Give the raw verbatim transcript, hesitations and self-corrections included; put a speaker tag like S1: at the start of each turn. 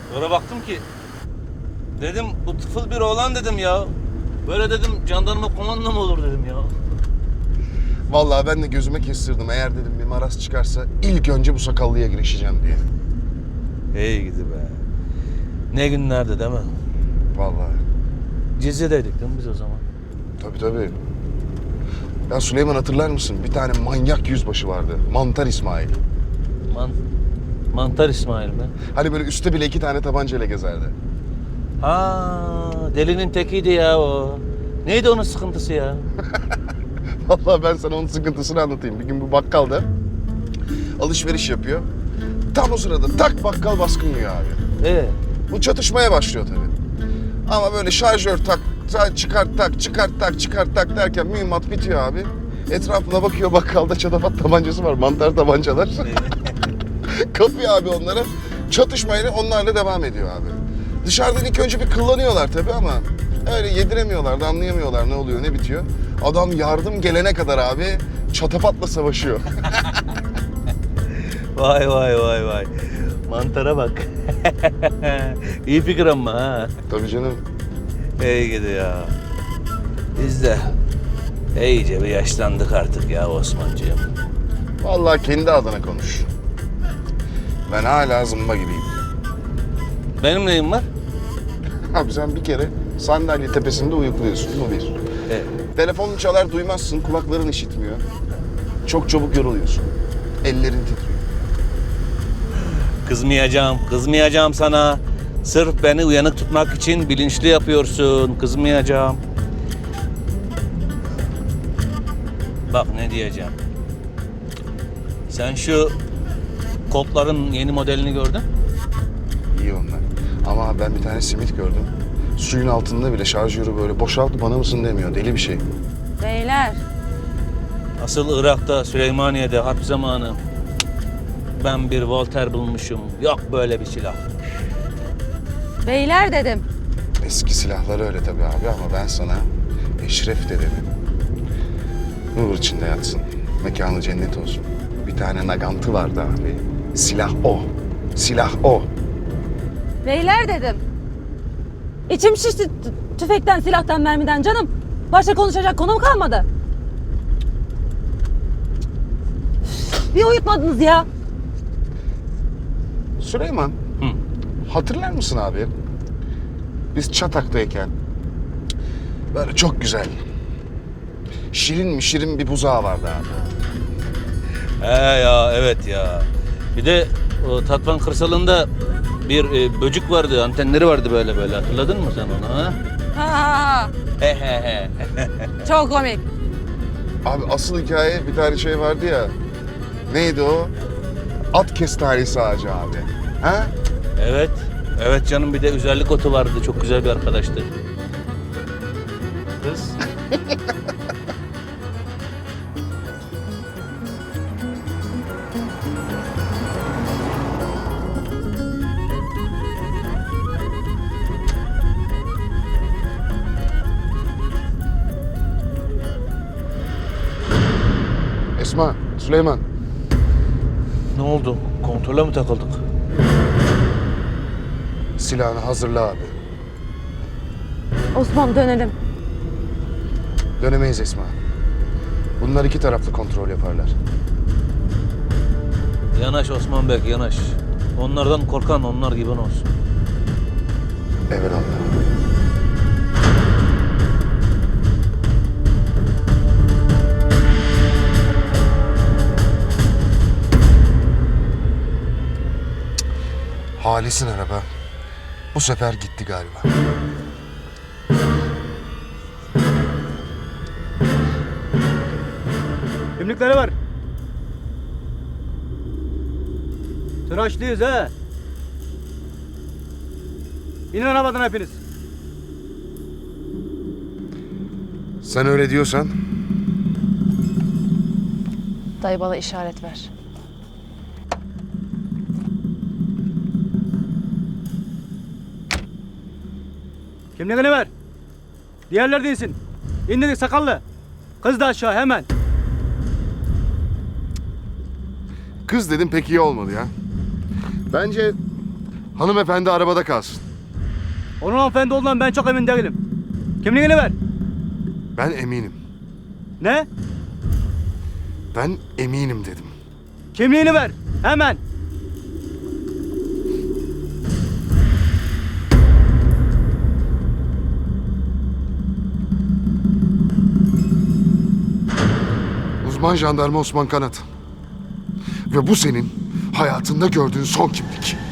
S1: Sonra baktım ki dedim bu tıfıl bir oğlan dedim ya. Böyle dedim jandarma komando mu olur dedim ya.
S2: Vallahi ben de gözüme kestirdim. Eğer dedim bir maraz çıkarsa ilk önce bu sakallıya girişeceğim diye.
S1: İyi gidi be. Ne günlerdi değil mi?
S2: Vallahi.
S1: Cizre'deydik değil mi biz o zaman?
S2: Tabii tabii. Ya Süleyman hatırlar mısın? Bir tane manyak yüzbaşı vardı. Mantar İsmail.
S1: Man Mantar İsmail mi?
S2: Hani böyle üstte bile iki tane tabancayla gezerdi.
S1: Ha, delinin tekiydi ya o. Neydi onun sıkıntısı ya?
S2: Vallahi ben sana onun sıkıntısını anlatayım. Bir gün bu bakkalda alışveriş yapıyor. Tam o sırada tak bakkal baskın yiyor abi.
S1: Ee,
S2: Bu çatışmaya başlıyor tabii. Ama böyle şarjör tak, çıkart tak, çıkart tak, çıkart tak derken mühimmat bitiyor abi. Etrafına bakıyor, bakkalda çatafat tabancası var, mantar tabancalar. Kapıyor abi onlara. Çatışmayla onlarla devam ediyor abi. Dışarıdan ilk önce bir kullanıyorlar tabii ama öyle yediremiyorlar da anlayamıyorlar ne oluyor ne bitiyor. Adam yardım gelene kadar abi çatapatla savaşıyor.
S1: vay vay vay vay. Mantara bak. İyi fikir ama ha.
S2: Tabii canım.
S1: İyi gidi ya. Biz de iyice bir yaşlandık artık ya Osmancığım.
S2: Vallahi kendi adına konuş. Ben hala zımba gibiyim.
S1: Benim neyim var?
S2: Abi sen bir kere sandalye tepesinde uyukluyorsun, bu bir.
S1: Evet.
S2: Telefonun çalar duymazsın, kulakların işitmiyor. Çok çabuk yoruluyorsun. Ellerin titriyor.
S1: Kızmayacağım, kızmayacağım sana. Sırf beni uyanık tutmak için bilinçli yapıyorsun. Kızmayacağım. Bak ne diyeceğim. Sen şu Koltların yeni modelini gördün?
S2: İyi onlar. Ama ben bir tane simit gördüm. Suyun altında bile şarjörü böyle boşalt bana mısın demiyor. Deli bir şey.
S3: Beyler,
S1: Asıl Irak'ta, Süleymaniye'de harp zamanı ben bir Volter bulmuşum. Yok böyle bir silah.
S3: beyler dedim.
S2: Eski silahlar öyle tabii abi ama ben sana Eşref dedim. Nur içinde yatsın. Mekanı cennet olsun. Bir tane nagantı vardı abi. Silah o. Silah o.
S3: Beyler dedim. İçim şişti t- tüfekten, silahtan, mermiden canım. Başka konuşacak konum kalmadı. Üf, Bir uyutmadınız ya.
S2: Süleyman.
S1: Hı.
S2: Hatırlar mısın abi? Biz Çatak'tayken böyle çok güzel, şirin mi şirin bir buzağı vardı abi.
S1: He ya, evet ya. Bir de o Tatvan kırsalında bir e, böcük vardı, antenleri vardı böyle böyle. Hatırladın mı sen onu ha?
S3: Ha ha ha.
S1: He he he.
S3: Çok komik.
S2: Abi asıl hikaye bir tane şey vardı ya. Neydi o? At kestanesi ağacı abi. Ha?
S1: Evet. Evet canım, bir de özellik otu vardı. Çok güzel bir arkadaştı. Kız.
S2: Esma, Süleyman.
S1: Ne oldu? Kontrole mi takıldık?
S2: Silahını hazırla abi.
S3: Osman dönelim.
S2: Dönemeyiz Esma. Bunlar iki taraflı kontrol yaparlar.
S1: Yanaş Osman Bey, yanaş. Onlardan korkan onlar gibi olsun.
S2: Evelallah. Halis'in araba bu sefer gitti galiba.
S4: Kimlikleri var. Tıraşlıyız ha. İnin arabadan hepiniz.
S2: Sen öyle diyorsan
S5: Dayı bana işaret ver.
S4: Kimliğini ver. Diğerler de insin. İn dedik sakallı. Kız da aşağı hemen.
S2: kız dedim pek iyi olmadı ya. Bence Hanımefendi arabada kalsın.
S4: Onun hanımefendi olduğundan ben çok emin değilim. Kimliğini ver.
S2: Ben eminim.
S4: Ne?
S2: Ben eminim dedim.
S4: Kimliğini ver. Hemen.
S2: Uzman jandarma Osman Kanat. Ve bu senin hayatında gördüğün son kimlik.